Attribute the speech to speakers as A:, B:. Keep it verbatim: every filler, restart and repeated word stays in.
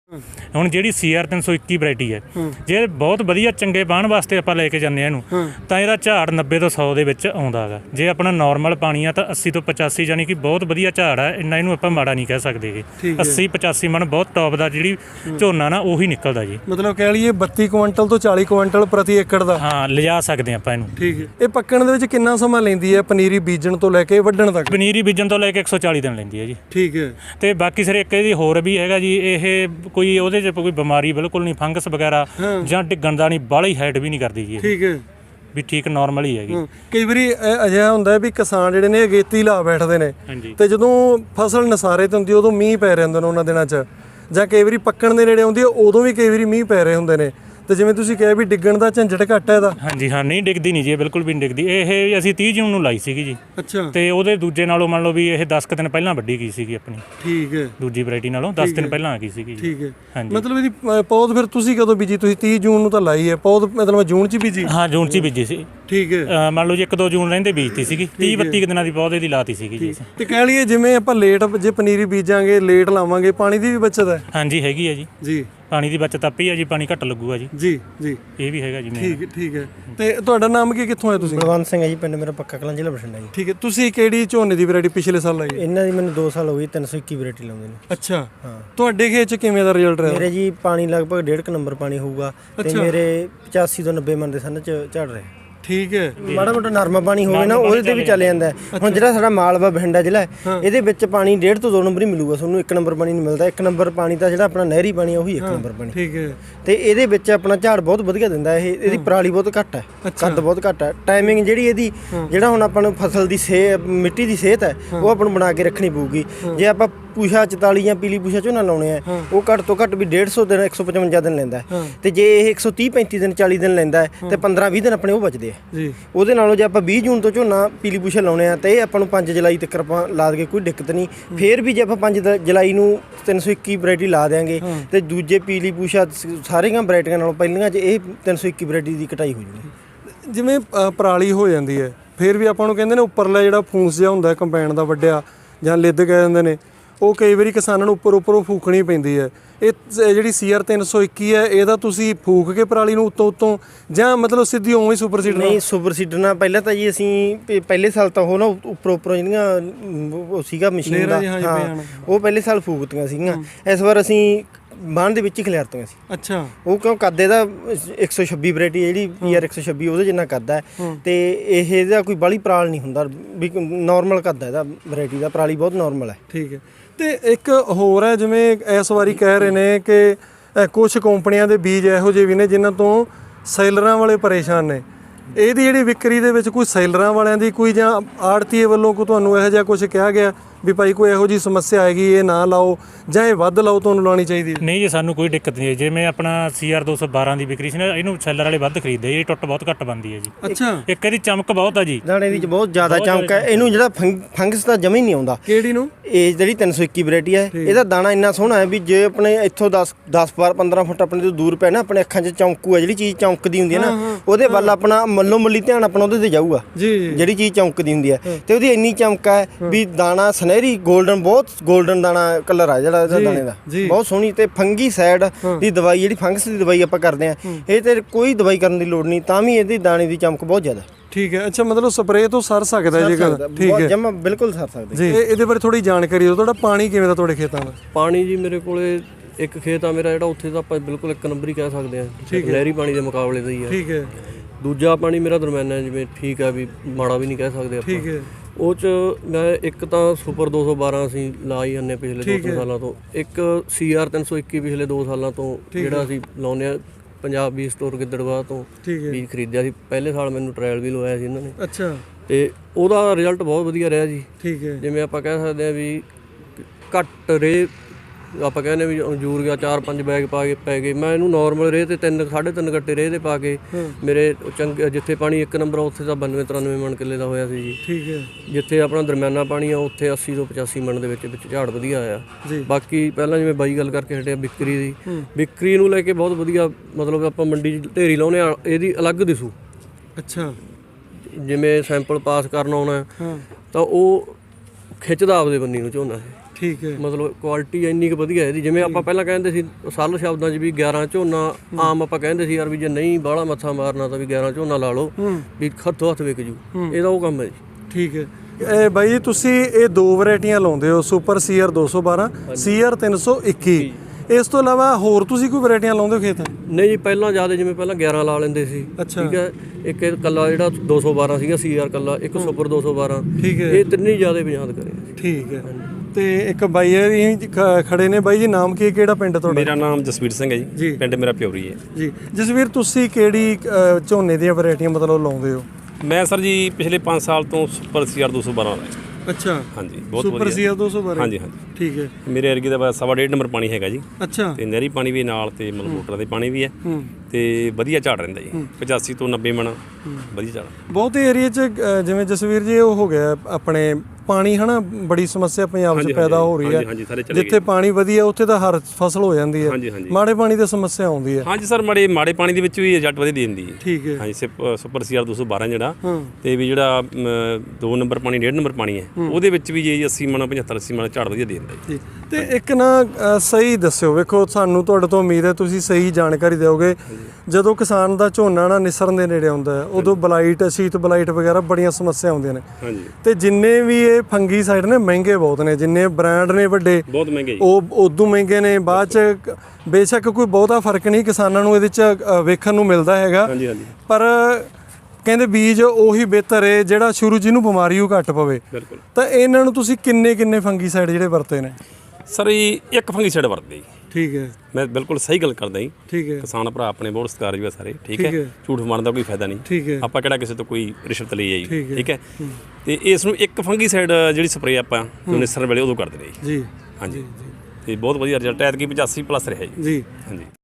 A: ਹੁਣ ਜਿਹੜੀ C R ਤਿੰਨ ਸੌ ਇੱਕੀ ਵੈਰਾਈਟੀ ਹੈ, ਜੇ ਬਹੁਤ ਵਧੀਆ ਚੰਗੇ ਬਾਣ ਵਾਸਤੇ ਆਪਾਂ ਲੈ ਕੇ ਜਾਂਦੇ ਹਾਂ ਇਹਨੂੰ, ਤਾਂ ਇਹਦਾ ਝਾੜ ਨੱਬੇ ਤੋਂ ਸੌ ਦੇ ਵਿੱਚ ਆਉਂਦਾ ਗਾ। ਜੇ ਆਪਣਾ ਨੋਰਮਲ ਪਾਣੀ ਆ ਤਾਂ ਅੱਸੀ ਤੋਂ ਪਚਾਸੀ, ਜਾਨੀ ਕਿ ਬਹੁਤ ਵਧੀਆ ਝਾੜ ਹੈ। ਇੰਨਾ ਇਹਨੂੰ ਆਪਾਂ ਮਾੜਾ ਨਹੀਂ ਕਹਿ ਸਕਦੇ ਗੇ। ਅੱਸੀ ਪਚਾਸੀ ਮਣ ਬਹੁਤ ਟੌਪ ਦਾ ਜਿਹੜੀ ਝੋਨਾ ਨਾ ਉਹੀ ਨਿਕਲਦਾ ਜੀ।
B: ਮਤਲਬ ਕਹਿ ਲਈਏ ਬੱਤੀ ਕੁਇੰਟਲ ਤੋਂ ਚਾਲੀ ਕੁਇੰਟਲ ਪ੍ਰਤੀ ਏਕੜ ਦਾ।
A: ਹਾਂ, ਲਿਜਾ ਸਕਦੇ ਆਪਾਂ ਇਹਨੂੰ।
B: ਠੀਕ ਹੈ। ਇਹ ਪੱਕਣ ਦੇ ਵਿੱਚ ਕਿੰਨਾ ਸਮਾਂ ਲੈਂਦੀ ਹੈ ਪਨੀਰੀ ਬੀਜਣ ਤੋਂ ਲੈ ਕੇ ਵੱਢਣ ਤੱਕ?
A: ਪਨੀਰੀ ਬੀਜਣ ਤੋਂ ਲੈ ਕੇ ਇੱਕ ਸੌ ਚਾਲੀ ਦਿਨ ਲੈਂਦੀ ਹੈ ਜੀ।
B: ਠੀਕ ਹੈ।
A: ਤੇ ਬਾਕੀ ਸਰ ਇੱਕ ਇਹਦੀ ਹੋਰ ਵੀ ਹੈਗਾ ਜੀ, ਇਹ ਕੋਈ ਉਹਦੇ 'ਚ ਕੋਈ ਬਿਮਾਰੀ ਬਿਲਕੁਲ ਨਹੀਂ, ਫੰਗਸ ਵਗੈਰਾ ਜਾਂ ਡਿੱਗਣ ਦਾ ਨਹੀਂ, ਬਾਹਲੀ ਹਾਈਟ ਵੀ ਨਹੀਂ ਕਰਦੀ ਜੀ।
B: ਠੀਕ ਹੈ,
A: ਵੀ ਠੀਕ ਨਾਰਮਲ ਹੀ ਹੈਗੀ।
B: ਕਈ ਵਾਰੀ ਅਜਿਹਾ ਹੁੰਦਾ ਵੀ ਕਿਸਾਨ ਜਿਹੜੇ ਨੇ ਅਗੇਤੀ ਲਾ ਬੈਠਦੇ ਨੇ, ਤੇ ਜਦੋਂ ਫਸਲ ਨਸਾਰੇ ਤੇ ਹੁੰਦੀ ਉਦੋਂ ਮੀਂਹ ਪੈ ਰਹੇ ਹੁੰਦੇ ਨੇ ਉਹਨਾਂ ਦਿਨਾਂ 'ਚ, ਜਾਂ ਕਈ ਵਾਰੀ ਪੱਕਣ ਦੇ ਨੇੜੇ ਆਉਂਦੀ ਉਦੋਂ ਵੀ ਕਈ ਵਾਰੀ ਮੀਂਹ ਪੈ ਰਹੇ ਹੁੰਦੇ ਨੇ। ਤੇ ਜਿਵੇਂ ਤੁਸੀਂ ਕਿਹਾ ਵੀ ਡਿੱਗਣ ਦਾ ਝੰਜਟ ਘੱਟ ਹੈ ਇਹਦਾ।
A: ਹਾਂਜੀ ਹਾਂ, ਨਹੀਂ ਡਿੱਗਦੀ ਨਹੀਂ ਜੀ, ਬਿਲਕੁਲ ਵੀ ਨਹੀਂ ਡਿੱਗਦੀ। ਇਹ ਅਸੀਂ ਤੀਹ ਜੂਨ ਨੂੰ ਲਾਈ ਸੀਗੀ ਜੀ।
B: ਅੱਛਾ।
A: ਤੇ ਉਹਦੇ ਦੂਜੇ ਨਾਲੋਂ ਮੰਨ ਲਓ ਵੀ ਇਹ ਦਸ ਕੁ ਦਿਨ ਪਹਿਲਾਂ ਵੱਢੀ ਗਈ ਸੀਗੀ ਆਪਣੀ।
B: ਠੀਕ ਹੈ।
A: ਦੂਜੀ ਵੈਰਾਈਟੀ ਨਾਲੋਂ ਦਸ ਦਿਨ ਪਹਿਲਾਂ ਆ ਗਈ ਸੀਗੀ ਜੀ।
B: ਠੀਕ ਹੈ।
A: ਹਾਂਜੀ,
B: ਮਤਲਬ ਇਹਦੀ ਪੌਦ ਫਿਰ ਤੁਸੀਂ ਕਦੋਂ ਬੀਜੀ? ਤੁਸੀਂ ਤੀਹ ਜੂਨ ਨੂੰ ਤਾਂ ਲਾਈ ਹੈ ਪੌਦ, ਮਤਲਬ ਜੂਨ 'ਚ ਬੀਜੀ?
A: ਹਾਂ, ਜੂਨ 'ਚ ਹੀ ਬੀਜੀ ਸੀ।
B: ਠੀਕ ਹੈ।
A: ਮੰਨ ਲਓ ਜੀ ਇੱਕ ਦੋ ਜੂਨ ਰਹਿੰਦੇ ਬੀਜਤੀ ਸੀਗੀ, ਤੀਹ ਬੱਤੀ ਦਿਨਾਂ ਦੀ ਪੌਦੇ ਦੀ ਲਾਤੀ ਸੀਗੀ ਜੀ।
B: ਤੇ ਕਹਿ ਲਈਏ ਜਿਵੇਂ ਆਪਾਂ ਲੇਟ ਜੇ ਪਨੀਰੀ ਬੀਜਾਂਗੇ, ਲੇਟ ਲਾਵਾਂਗੇ, ਪਾਣੀ ਦੀ ਵੀ ਬੱਚਤ ਹੈ?
A: ਹਾਂਜੀ ਹੈਗੀ ਹੈ ਜੀ। ਜੀ ਪਾਣੀ ਦੀ ਬੱਚਤ ਆਪੀ ਹੈ ਜੀ, ਪਾਣੀ ਘੱਟ ਲੱਗੂਗਾ ਜੀ। ਜੀ ਜੀ ਇਹ ਵੀ ਹੈਗਾ ਜੀ।
B: ਠੀਕ ਠੀਕ ਹੈ। ਤੇ ਤੁਹਾਡਾ ਨਾਮ ਕੀ, ਕਿੱਥੋਂ ਆਏ ਤੁਸੀਂ?
C: ਬਲਵੰਤ ਸਿੰਘ ਹੈ ਜੀ, ਪਿੰਡ ਮੇਰਾ ਪੱਕਾ ਕਲਾਂ, ਜ਼ਿਲ੍ਹਾ ਬਠਿੰਡਾ ਜੀ।
B: ਠੀਕ ਹੈ। ਤੁਸੀਂ ਕਿਹੜੀ ਝੋਨੇ ਦੀ ਵੈਰਾਈਟੀ ਪਿਛਲੇ ਸਾਲ ਲਾਈ?
C: ਇਹਨਾਂ ਦੀ ਮੈਨੂੰ ਦੋ ਸਾਲ ਹੋ ਗਏ, ਤਿੰਨ ਸੌ ਇੱਕੀ ਵੈਰਾਈਟੀ ਲਾਉਂਦੇ ਨੇ।
B: ਅੱਛਾ। ਹਾਂ। ਤੁਹਾਡੇ ਖੇਤ 'ਚ ਕਿਵੇਂ ਦਾ ਰਿਜ਼ਲਟ ਰਿਹਾ?
C: ਮੇਰੇ ਜੀ ਪਾਣੀ ਲਗਭਗ ਡੇਢ ਕੁ ਨੰਬਰ ਪਾਣੀ ਹੋਊਗਾ, ਤੇ ਮੇਰੇ ਪਚਾਸੀ ਤੋਂ ਨੱਬੇ ਮਣ ਦੇ ਸਨ ਚ ਝੜ ਰਿਹਾ।
B: ਠੀਕ ਹੈ।
C: ਮਾੜਾ ਮੋਟਾ ਨਰਮਾ ਪਾਣੀ ਹੋਵੇ ਨਾ ਉਹਦੇ ਤੇ ਵੀ ਚੱਲ ਜਾਂਦਾ। ਹੁਣ ਜਿਹੜਾ ਸਾਡਾ ਮਾਲਵਾ ਬਠਿੰਡਾ ਜ਼ਿਲ੍ਹਾ ਹੈ, ਇਹਦੇ ਵਿੱਚ ਪਾਣੀ ਡੇਢ ਤੋਂ ਦੋ ਨੰਬਰ ਹੀ ਮਿਲੂਗਾ ਤੁਹਾਨੂੰ, ਇੱਕ ਨੰਬਰ ਪਾਣੀ ਨਹੀਂ ਮਿਲਦਾ। ਇੱਕ ਨੰਬਰ ਪਾਣੀ ਤਾਂ ਜਿਹੜਾ ਆਪਣਾ ਨਹਿਰੀ ਪਾਣੀ ਉਹੀ ਇੱਕ ਨੰਬਰ ਪਾਣੀ। ਠੀਕ ਹੈ। ਤੇ ਇਹਦੇ ਵਿੱਚ ਆਪਣਾ ਝਾੜ ਬਹੁਤ ਵਧੀਆ ਦਿੰਦਾ। ਇਹ ਇਹਦੀ ਪਰਾਲੀ ਬਹੁਤ ਘੱਟ ਹੈ, ਕੱਦ ਬਹੁਤ ਘੱਟ ਹੈ। ਟਾਈਮਿੰਗ ਜਿਹੜੀ ਇਹਦੀ, ਜਿਹੜਾ ਹੁਣ ਆਪਾਂ ਨੂੰ ਫਸਲ ਦੀ ਸੇ ਮਿੱਟੀ ਦੀ ਸਿਹਤ ਹੈ ਉਹ ਆਪਾਂ ਨੂੰ ਬਣਾ ਕੇ ਰੱਖਣੀ ਪਊਗੀ। ਜੇ ਆਪਾਂ ਪੂਸ਼ਾ ਚਤਾਲੀ ਜਾਂ ਪੀਲੀ ਪੂਸ਼ਾ ਝੋਨਾ ਲਾਉਣੇ ਆ, ਉਹ ਘੱਟ ਤੋਂ ਘੱਟ ਵੀ ਡੇਢ ਸੌ ਦਿਨ, ਇੱਕ ਸੌ ਪਚਵੰਜਾ ਦਿਨ ਲੈਂਦਾ। ਤੇ ਜੇ ਇਹ ਇੱਕ ਸੌ ਤੀਹ ਪੈਂਤੀ ਦਿਨ, ਚਾਲੀ ਦਿਨ ਲੈਂਦਾ ਤੇ ਪੰਦਰਾਂ ਵੀਹ ਦਿਨ ਆਪਣੇ ਉਹ ਬਚਦੇ ਆ। ਉਹਦੇ ਨਾਲੋਂ ਜੇ ਆਪਾਂ ਵੀਹ ਜੂਨ ਤੋਂ ਝੋਨਾ ਪੀਲੀ ਪੂਸ਼ਾ ਲਾਉਣੇ ਆ ਤਾਂ ਇਹ ਆਪਾਂ ਨੂੰ ਪੰਜ ਜੁਲਾਈ ਤੱਕ ਆਪਾਂ ਲਾ ਦਈਏ, ਕੋਈ ਦਿੱਕਤ ਨਹੀਂ। ਫਿਰ ਵੀ ਜੇ ਆਪਾਂ ਪੰਜ ਜੁਲਾਈ ਨੂੰ ਤਿੰਨ ਸੌ ਇੱਕੀ ਵੈਰਾਈਟੀ ਲਾ ਦਿਆਂਗੇ ਤੇ ਦੂਜੇ ਪੀਲੀ ਪੂਸ਼ਾ ਸਾਰੀਆਂ ਵੈਰਾਈਟੀਆਂ ਨਾਲੋਂ ਪਹਿਲੀਆਂ 'ਚ ਇਹ ਤਿੰਨ ਸੌ ਇੱਕੀ ਵੈਰਾਈਟੀ ਦੀ ਕਟਾਈ ਹੋ ਜੂਗੀ।
B: ਜਿਵੇਂ ਪਰਾਲੀ ਹੋ ਜਾਂਦੀ ਹੈ, ਫਿਰ ਵੀ ਆਪਾਂ ਨੂੰ ਕਹਿੰਦੇ ਨੇ ਉੱਪਰਲਾ ਜਿਹੜਾ ਫੂਸ ਜਿਹਾ ਹੁੰਦਾ ਕੰਬਾਈਨ ਦਾ ਵੱਡਿਆ ਜਾਂ ਲਿੱਦ ਕਹਿ ਦਿੰਦੇ ਨੇ, ਉਹ ਕਈ ਵਾਰੀ ਕਿਸਾਨਾਂ ਨੂੰ ਉੱਪਰ ਉੱਪਰੋਂ ਫੂਕਣੀ ਪੈਂਦੀ ਹੈ। ਇਹ ਜਿਹੜੀ ਸੀ ਆਰ ਤਿੰਨ ਸੌ ਇੱਕੀ ਹੈ, ਇਹਦਾ ਤੁਸੀਂ ਫੂਕ ਕੇ ਪਰਾਲੀ ਨੂੰ ਉੱਤੋਂ ਉੱਤੋਂ ਜਾਂ ਮਤਲਬ ਸਿੱਧੀ ਉਵੇਂ ਹੀ ਸੁਪਰ ਸੀਡਰ?
C: ਨਹੀਂ, ਸੁਪਰ ਸੀਡਰ ਨਾਲ ਪਹਿਲਾਂ ਤਾਂ ਜੀ ਅਸੀਂ ਪਹਿਲੇ ਸਾਲ ਤਾਂ ਉਹ ਨਾ ਉੱਪਰੋਂ ਉੱਪਰੋਂ ਜਿਹੜੀਆਂ ਉਹ ਸੀਗਾ ਮਸ਼ੀਨ ਦਾ, ਹਾਂ ਉਹ ਪਹਿਲੇ ਸਾਲ ਫੂਕਤੀਆਂ ਸੀਗੀਆਂ। ਇਸ ਵਾਰ ਅਸੀਂ ਬਾਣ ਦੇ ਵਿੱਚ ਹੀ ਖਿਲਾਰਤੀਆਂ ਸੀ। ਅੱਛਾ। ਉਹ ਕਿਉਂ ਕੱਦ ਇਹਦਾ ਇੱਕ ਸੌ ਛੱਬੀ ਵੈਰਾਈਟੀ ਜਿਹੜੀ ਪੀ ਆਰ ਇੱਕ ਸੌ ਛੱਬੀ ਉਹਦੇ ਜਿੰਨਾ ਕੱਦ ਹੈ, ਤੇ ਇਹ ਇਹਦਾ ਕੋਈ ਬਾਹਲੀ ਪਰਾਲ ਨਹੀਂ ਹੁੰਦਾ, ਵੀ ਨੋਰਮਲ ਕੱਦ ਹੈ ਇਹਦਾ ਵੈਰਾਈਟੀ ਦਾ, ਪਰਾਲੀ ਬਹੁਤ ਨੋਰਮਲ ਹੈ। ਠੀਕ ਹੈ। ਤੇ ਇੱਕ ਹੋਰ ਹੈ, ਜਿਵੇਂ ਇਸ ਵਾਰੀ ਕਹਿ ਰਹੇ ਨੇ ਕਿ ਕੁਛ ਕੰਪਨੀਆਂ ਦੇ ਬੀਜ ਇਹੋ ਜਿਹੇ ਵੀ ਨੇ ਜਿਨ੍ਹਾਂ ਤੋਂ ਸੈਲਰਾਂ ਵਾਲੇ ਪਰੇਸ਼ਾਨ ਨੇ। ਇਹਦੀ ਜਿਹੜੀ ਵਿਕਰੀ ਦੇ ਵਿੱਚ ਕੋਈ ਸੈਲਰਾਂ ਵਾਲਿਆਂ ਦੀ ਕੋਈ ਜਾਂ ਆੜਤੀਏ ਵੱਲੋਂ ਕੋਈ ਤੁਹਾਨੂੰ ਇਹੋ ਜਿਹਾ ਕੁਝ ਕਿਹਾ ਗਿਆ ਵੀ ਭਾਈ ਕੋਈ ਇਹੋ ਜਿਹੀ ਸਮੱਸਿਆ ਆਏਗੀ ਇਹ ਨਾ ਲਾਓ ਜਾਂ ਇਹ ਵੱਧ ਲਾਓ, ਤੁਹਾਨੂੰ ਲਾਉਣੀ ਚਾਹੀਦੀ ਹੈ?
A: ਨਹੀਂ ਜੀ, ਸਾਨੂੰ ਕੋਈ ਦਿੱਕਤ ਨਹੀਂ ਹੈ। ਜਿਵੇਂ ਆਪਣਾ ਸੀ ਆਰ ਦੋ ਸੌ ਬਾਰਾਂ ਦੀ ਵਿਕਰੀ ਸੀ ਨਾ, ਇਹਨੂੰ ਸੈਲਰ ਵਾਲੇ ਵੱਧ ਖਰੀਦਦੇ, ਇਹ ਟੁੱਟ ਬਹੁਤ ਘੱਟ ਬਣਦੀ ਹੈ ਜੀ। ਅੱਛਾ। ਇੱਕ ਇਹਦੀ ਚਮਕ ਬਹੁਤ ਆ ਜੀ,
C: ਦਾਣੇ ਦੀ ਬਹੁਤ ਜ਼ਿਆਦਾ ਚਮਕ ਹੈ। ਇਹਨੂੰ ਜਿਹੜਾ ਫੰਗਸ ਤਾਂ ਜਮਾ ਹੀ ਨਹੀਂ ਆਉਂਦਾ।
B: ਕਿਹੜੀ ਨੂੰ? ਇਹ
C: ਜਿਹੜੀ ਤਿੰਨ ਸੌ ਇੱਕੀ ਵੈਰਾਈਟੀ ਹੈ, ਇਹਦਾ ਦਾਣਾ ਇੰਨਾ ਸੋਹਣਾ ਹੈ ਵੀ ਜੇ ਆਪਣੇ ਇੱਥੋਂ ਦਸ ਦਸ ਬਾਰ ਪੰਦਰਾਂ ਫੁੱਟ ਆਪਣੇ ਤੋਂ ਦੂਰ ਪੈ ਨਾ, ਆਪਣੇ ਅੱਖਾਂ 'ਚ ਚੌਂਕੂ ਹੈ, ਜਿਹੜੀ ਚੀਜ਼ ਚੌਂਕਦੀ ਹੁੰਦੀ ਹੈ ਨਾ, ਉਹਦੇ ਵੱਲ ਆਪਣਾ ਮੱਲੋ ਮੱਲੀ ਧਿਆਨ ਆਪਣਾ ਉਹਦੇ ਤੇ ਜਾਊਗਾ, ਜਿਹੜੀ ਚੀਜ਼ ਚੌਂਕਦੀ ਹੁੰਦੀ ਹੈ। ਤੇ ਉਹਦੀ ਇੰਨੀ ਚਮਕ ਹੈ ਵੀ ਦਾਣਾ ਸੁਨਹਿਰੀ ਗੋਲਡਨ, ਬਹੁਤ ਗੋਲਡਨ ਦਾਣਾ ਕਲਰ ਆ ਜਿਹੜਾ ਇਹਦਾ ਦਾਣੇ ਦਾ, ਬਹੁਤ ਸੋਹਣੀ। ਤੇ ਫੰਗੀ ਸਾਈਡ ਦੀ ਦਵਾਈ, ਜਿਹੜੀ ਫੰਗਸ ਦੀ ਦਵਾਈ ਆਪਾਂ ਕਰਦੇ ਆ, ਇਹ ਤੇ ਕੋਈ ਦਵਾਈ ਕਰਨ ਦੀ ਲੋੜ ਨਹੀਂ, ਤਾਂ ਵੀ ਇਹਦੀ ਦਾਣੇ ਦੀ ਚਮਕ ਬਹੁਤ ਜ਼ਿਆਦਾ।
B: ਠੀਕ ਹੈ। ਅੱਛਾ, ਮਤਲਬ ਸਪਰੇਅ ਤੋਂ ਸਰ ਸਕਦਾ ਜੇਕਰ? ਠੀਕ ਹੈ,
C: ਜਮਾ ਬਿਲਕੁਲ ਸਰ ਸਕਦਾ
B: ਜੀ। ਇਹਦੇ ਬਾਰੇ ਥੋੜੀ ਜਾਣਕਾਰੀ ਦਿਓ। ਤੁਹਾਡਾ ਪਾਣੀ ਕਿਵੇਂ ਦਾ ਤੁਹਾਡੇ ਖੇਤਾਂ ਦਾ?
D: ਪਾਣੀ ਜੀ ਮੇਰੇ ਕੋਲੇ ਇੱਕ ਖੇਤ ਆ ਮੇਰਾ ਜਿਹੜਾ, ਉੱਥੇ ਤਾਂ ਆਪਾਂ ਬਿਲਕੁਲ ਇੱਕ ਨੰਬਰ ਹੀ ਕਹਿ ਸਕਦੇ ਆ, ਨਹਿਰੀ ਪਾਣੀ ਦੇ ਮੁਕਾਬਲੇ ਦਾ ਹੀ ਆ। ਠੀਕ ਹੈ। ਦੂਜਾ ਪਾਣੀ ਮੇਰਾ ਦਰਮਿਆਨਾ, ਜਿਵੇਂ ਠੀਕ ਆ ਵੀ ਮਾੜਾ ਵੀ ਨਹੀਂ ਕਹਿ ਸਕਦੇ ਆਪਾਂ। ਠੀਕ ਹੈ। ਉਹ 'ਚ ਮੈਂ ਇੱਕ ਤਾਂ ਸੁਪਰ ਦੋ ਸੌ ਬਾਰਾਂ ਅਸੀਂ ਲਾਈ ਜਾਂਦੇ ਪਿਛਲੇ ਦੋ ਤਿੰਨ ਸਾਲਾਂ ਤੋਂ, ਇੱਕ ਸੀ ਆਰ ਤਿੰਨ ਸੌ ਇੱਕੀ ਪਿਛਲੇ ਦੋ ਸਾਲਾਂ ਤੋਂ ਜਿਹੜਾ ਅਸੀਂ ਲਾਉਂਦੇ ਹਾਂ ਪੰਜਾਬ ਬੀਜ ਸਟੋਰ ਗਿੱਦੜਬਾਹ ਤੋਂ ਬੀਜ ਖਰੀਦਿਆ ਸੀ। ਪਹਿਲੇ ਸਾਲ ਮੈਨੂੰ ਟਰਾਇਲ ਵੀ ਲਵਾਇਆ ਸੀ ਇਹਨਾਂ ਨੇ। ਅੱਛਾ। ਤੇ ਉਹਦਾ ਰਿਜ਼ਲਟ ਬਹੁਤ ਵਧੀਆ ਰਿਹਾ ਜੀ। ਠੀਕ ਹੈ। ਜਿਵੇਂ ਆਪਾਂ ਕਹਿ ਸਕਦੇ ਹਾਂ ਵੀ ਘੱਟ ਰੇ ਆਪਾਂ ਕਹਿੰਦੇ ਵੀ ਯੂਰੀਆ ਚਾਰ ਪੰਜ ਬੈਗ ਪਾ ਕੇ ਪੈ ਗਏ, ਮੈਂ ਇਹਨੂੰ ਨੋਰਮਲ ਰੇਹ ਤੇ ਤਿੰਨ ਸਾਢੇ ਤਿੰਨ ਗੱਟੇ ਰੇਹ ਦੇ ਪਾ ਕੇ ਮੇਰੇ ਚੰਗੇ, ਜਿੱਥੇ ਪਾਣੀ ਇੱਕ ਨੰਬਰ ਉੱਥੇ ਤਾਂ ਬਾਨਵੇਂ ਤਰਾਨਵੇਂ ਮਣ ਕਿੱਲੇ ਦਾ ਹੋਇਆ ਸੀ ਜੀ। ਠੀਕ ਹੈ। ਜਿੱਥੇ ਆਪਣਾ ਦਰਮਿਆਨਾ ਪਾਣੀ ਆ ਉੱਥੇ ਅੱਸੀ ਤੋਂ ਪਚਾਸੀ ਮਣ ਦੇ ਵਿੱਚ ਵਿੱਚ ਝਾੜ ਵਧੀਆ ਆਇਆ। ਬਾਕੀ ਪਹਿਲਾਂ ਜਿਵੇਂ ਬਾਈ ਗੱਲ ਕਰਕੇ ਹਟਿਆ ਵਿਕਰੀ ਦੀ, ਵਿਕਰੀ ਨੂੰ ਲੈ ਕੇ ਬਹੁਤ ਵਧੀਆ, ਮਤਲਬ ਆਪਾਂ ਮੰਡੀ 'ਚ ਢੇਰੀ ਲਾਉਂਦੇ ਆ, ਇਹਦੀ ਅਲੱਗ ਦਿਸੂ। ਅੱਛਾ। ਜਿਵੇਂ ਸੈਂਪਲ ਪਾਸ ਕਰਨ ਆਉਣਾ ਤਾਂ ਉਹ ਖਿੱਚਦਾ ਆਪਦੇ ਬੰਨੀ ਨੂੰ ਝੋਨਾ ਇਹ।
B: ਠੀਕ ਹੈ
D: ਮਤਲਬ ਕੁਆਲਿਟੀ ਇੰਨੀ ਕੁ ਵਧੀਆ ਇਹਦੀ। ਜਿਵੇਂ ਆਪਾਂ ਪਹਿਲਾਂ ਕਹਿੰਦੇ ਸੀ ਸਰਲ ਸ਼ਬਦਾਂ 'ਚ ਵੀ ਗਿਆਰਾਂ ਝੋਨਾ ਆਮ ਆਪਾਂ ਕਹਿੰਦੇ ਸੀ ਯਾਰ ਵੀ ਜੇ ਨਹੀਂ ਬਾਹਲਾ ਮੱਥਾ ਮਾਰਨਾ ਤਾਂ ਵੀ ਗਿਆਰਾਂ ਝੋਨਾ ਲਾ ਲਓ ਵੀ ਹੱਥੋਂ ਹੱਥ ਵਿਕ ਜੂ, ਇਹਦਾ ਉਹ ਕੰਮ ਹੈ ਜੀ।
B: ਠੀਕ ਹੈ। ਇਹ ਬਾਈ ਜੀ ਤੁਸੀਂ ਇਹ ਦੋ ਵੈਰਾਈਟੀਆਂ ਲਾਉਂਦੇ ਹੋ, ਸੁਪਰ ਸੀਆਰ ਦੋ ਸੌ ਬਾਰਾਂ, ਸੀਆਰ ਤਿੰਨ ਸੌ ਇੱਕੀ। ਇਸ ਤੋਂ ਇਲਾਵਾ ਹੋਰ ਤੁਸੀਂ ਕੋਈ ਵੈਰਾਈਟੀਆਂ ਲਾਉਂਦੇ ਹੋ ਖੇਤ?
D: ਨਹੀਂ ਜੀ, ਪਹਿਲਾਂ ਜ਼ਿਆਦਾ ਜਿਵੇਂ ਪਹਿਲਾਂ ਗਿਆਰਾਂ ਲਾ ਲੈਂਦੇ ਸੀ। ਠੀਕ ਹੈ। ਇੱਕ ਇਹ ਕੱਲਾ ਜਿਹੜਾ ਦੋ ਸੌ ਬਾਰਾਂ ਸੀਗਾ ਸੀਆਰ ਕੱਲਾ, ਇੱਕ ਸੁਪਰ ਦੋ ਸੌ ਬਾਰਾਂ,
B: ਠੀਕ ਹੈ।
D: ਇਹ ਤਿੰਨੇ ਜ਼ਿਆਦਾ ਬਜਾਦ ਕਰੇ।
B: ਠੀਕ ਹੈ। ਤੇ ਇੱਕ ਬਾਈ ਇਹ ਖੜੇ ਨੇ, ਬਾਈ ਜੀ ਨਾਮ ਕੀ, ਕਿਹੜਾ ਪਿੰਡ ਤੁਹਾਡਾ?
E: ਮੇਰਾ ਨਾਮ ਜਸਵੀਰ ਸਿੰਘ ਹੈ ਜੀ, ਪਿੰਡ ਮੇਰਾ ਪਿਉਰੀ ਹੈ
B: ਜੀ। ਜਸਵੀਰ ਤੁਸੀਂ ਕਿਹੜੀ ਅ, ਝੋਨੇ ਦੀਆਂ ਵੈਰਾਈਟੀਆਂ ਮਤਲਬ ਲਾਉਂਦੇ ਹੋ?
E: ਮੈਂ ਸਰ ਜੀ ਪਿਛਲੇ ਪੰਜ ਸਾਲ ਤੋਂ ਸੁਪਰ ਸੀਆਰ ਦੋ ਸੌ ਬਾਰਾਂ ਲਾਇਆ।
B: ਅੱਛਾ,
E: ਹਾਂਜੀ, ਬਹੁਤ ਵਧੀਆ।
B: ਸੁਪਰ ਸੀਆਰ ਦੋ ਸੌ ਬਾਰਾਂ,
E: ਹਾਂਜੀ ਹਾਂਜੀ
B: ਠੀਕ ਹੈ।
E: ਮੇਰੇ ਏਰੀਏ ਦਾ ਬਸ ਸਵਾ ਡੇਢ ਨੰਬਰ ਪਾਣੀ ਹੈਗਾ ਜੀ।
B: ਅੱਛਾ।
E: ਤੇ ਨਹਿਰੀ ਪਾਣੀ ਵੀ ਨਾਲ ਤੇ ਮਤਲਬ ਮੋਟਰਾਂ ਦੇ ਪਾਣੀ ਵੀ ਹੈ ਤੇ ਵਧੀਆ ਝਾੜ ਰਹਿੰਦਾ ਜੀ, ਪਚਾਸੀ ਤੋਂ ਨੱਬੇ ਮਣ ਵਧੀਆ ਝਾੜ।
B: ਬਹੁਤੇ ਏਰੀਏ 'ਚ ਅ, ਜਿਵੇਂ ਜਸਵੀਰ ਜੀ ਉਹ ਹੋ ਗਿਆ ਆਪਣੇ ਪਾਣੀ ਹਨਾ, ਬੜੀ ਸਮੱਸਿਆ ਪੰਜਾਬ 'ਚ ਪੈਦਾ ਹੋ ਰਹੀ ਹੈ। ਜਿੱਥੇ ਪਾਣੀ ਵਧੀਆ ਉੱਥੇ ਤਾਂ ਹਰ ਫਸਲ ਹੋ ਜਾਂਦੀ ਹੈ, ਮਾੜੇ ਪਾਣੀ ਦੀ ਸਮੱਸਿਆ ਆਉਂਦੀ ਹੈ।
E: ਹਾਂਜੀ ਸਰ, ਮਾੜੇ ਮਾੜੇ ਪਾਣੀ ਦੇ ਵਿੱਚ ਵੀ ਜੱਟ ਵਧੀਆ ਦੇ ਦਿੰਦੀ ਹੈ।
B: ਠੀਕ ਹੈ।
E: ਹਾਂਜੀ, ਸੁਪਰ ਸੀਆਰ ਦੋ ਸੌ ਬਾਰਾਂ ਜਿਹੜਾ ਤੇ ਵੀ ਜਿਹੜਾ ਦੋ ਨੰਬਰ ਪਾਣੀ ਡੇਢ ਨੰਬਰ ਪਾਣੀ ਹੈ ਉਹਦੇ ਵਿੱਚ ਵੀ ਜੇ ਅੱਸੀ ਮਣ ਪਝੱਤਰ ਅੱਸੀ ਮਣ ਝਾੜ ਵਧੀਆ ਦੇ ਦਿੰਦਾ ਜੀ।
B: ਤੇ ਇੱਕ ਨਾ ਅ, ਸਹੀ ਦੱਸਿਓ, ਵੇਖੋ ਸਾਨੂੰ ਤੁਹਾਡੇ ਤੋਂ ਉਮੀਦ ਹੈ ਤੁਸੀਂ ਸਹੀ ਜਾਣਕਾਰੀ ਦਿਓਗੇ। ਜਦੋਂ ਕਿਸਾਨ ਦਾ ਝੋਨਾ ਨਾ ਨਿਸਰਨ ਦੇ ਨੇੜੇ ਆਉਂਦਾ ਹੈ ਉਦੋਂ ਬਲਾਈਟ, ਸ਼ੀਤ ਬਲਾਈਟ ਵਗੈਰਾ ਬੜੀਆਂ ਸਮੱਸਿਆ ਆਉਂਦੀਆਂ ਨੇ।
E: ਹਾਂਜੀ।
B: ਤੇ ਜਿੰਨੇ ਵੀ ਇਹ ਫੰਗੀ ਸਾਈਡ ਨੇ ਮਹਿੰਗੇ ਬਹੁਤ ਨੇ, ਜਿੰਨੇ ਬ੍ਰਾਂਡ ਨੇ ਵੱਡੇ
E: ਬਹੁਤ ਮਹਿੰਗੇ
B: ਉਹ ਉਦੋਂ ਮਹਿੰਗੇ ਨੇ। ਬਾਅਦ ਚ ਬੇਸ਼ੱਕ ਕੋਈ ਬਹੁਤਾ ਫਰਕ ਨਹੀਂ ਕਿਸਾਨਾਂ ਨੂੰ ਇਹਦੇ ਚ ਅ, ਵੇਖਣ ਨੂੰ ਮਿਲਦਾ ਹੈਗਾ,
E: ਹਾਂਜੀ ਹਾਂਜੀ
B: ਪਰ ਕਹਿੰਦੇ ਬੀਜ ਉਹੀ ਬਿਹਤਰ ਹੈ ਜਿਹੜਾ ਸ਼ੁਰੂ ਜਿਹਨੂੰ ਬਿਮਾਰੀ ਉਹ ਘੱਟ ਪਵੇ।
E: ਬਿਲਕੁਲ।
B: ਤਾਂ ਇਹਨਾਂ ਨੂੰ ਤੁਸੀਂ ਕਿੰਨੇ ਕਿੰਨੇ ਫੰਗੀ ਸਾਈਡ ਜਿਹੜੇ ਵਰਤੇ ਨੇ?
E: ਸਰ ਇਹ ਇੱਕ ਫੰਗੀ ਸਾਈਡ ਵਰਤਦੇ ਜੀ।
B: ਠੀਕ ਹੈ।
E: ਮੈਂ ਬਿਲਕੁਲ ਸਹੀ ਗੱਲ ਕਰਦਾ ਜੀ।
B: ਠੀਕ ਹੈ।
E: ਕਿਸਾਨ ਭਰਾ ਆਪਣੇ ਬਹੁਤ ਸਤਿਕਾਰਯੋਗ ਆ ਸਾਰੇ। ਠੀਕ ਹੈ। ਝੂਠ ਮਾਰਨ ਦਾ ਕੋਈ ਫਾਇਦਾ ਨਹੀਂ।
B: ਠੀਕ ਹੈ।
E: ਆਪਾਂ ਕਿਹੜਾ ਕਿਸੇ ਤੋਂ ਕੋਈ ਰਿਸ਼ਵਤ ਲਈ ਆਈ। ਠੀਕ ਹੈ। ਤੇ ਇਸ ਨੂੰ ਇੱਕ ਫੰਗੀ ਸਾਈਡ ਜਿਹੜੀ ਸਪਰੇਅ ਆਪਾਂ ਨਿਸਰਨ ਵੇਲੇ ਉਦੋਂ ਕਰਦੇ ਨੇ
B: ਜੀ।
E: ਹਾਂਜੀ। ਤੇ ਬਹੁਤ ਵਧੀਆ ਰਿਜ਼ਲਟ ਐਤਕੀ ਪਚਾਸੀ ਪਲੱਸ ਰਿਹਾ ਜੀ।
B: ਜੀ।
E: ਹਾਂਜੀ।